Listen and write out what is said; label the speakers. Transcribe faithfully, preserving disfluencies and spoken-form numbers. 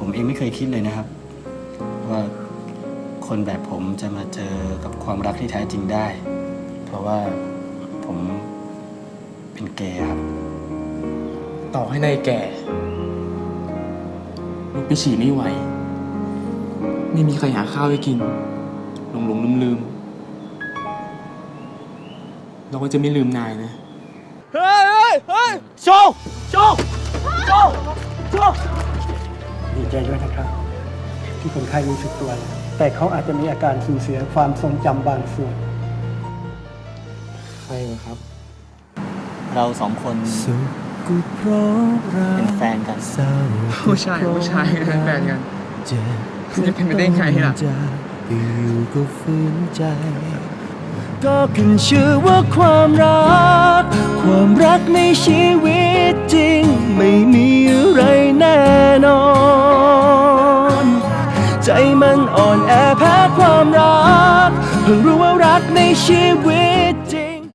Speaker 1: ผมเองไม่เคยคิดเลยนะครับว่าคนแบบผมจะมาเจอกับความรักที่แท้จริงได้เพราะว่าผมเป็นเกย์ครับ
Speaker 2: ต่อให้นายแก่ลุกไปฉี่ไม่ไหวไม่มีใครหาข้าวให้กินหลงหลงลืมลืมเราก็จะไม่ลืมนายนะเฮ้ยเฮ้ยเฮ้ยโชว์โชว์โชว์โชว์
Speaker 3: ดีใจด้วยนะครับที่คนไข้รู้สึกตัวแล้วแต่เขาอาจจะมีอาการสูญเสียความทรงจำบางส่วน
Speaker 2: ใครเหรอครับ
Speaker 1: เราสองคนเป็นแฟนกัน
Speaker 2: ผู้ชายผู้ชายเป็นแฟนกันจะเป็นไปได้ไงล่ะ
Speaker 4: อยู่ก็ฝืนใจก็ขึ้นชื่อว่าความรักความรักในชีวิตจริงไม่มีอะไรแน่นอนใจมันอ่อนแอแพ้ความรักเพิ่งรู้ว่ารักในชีวิตจริง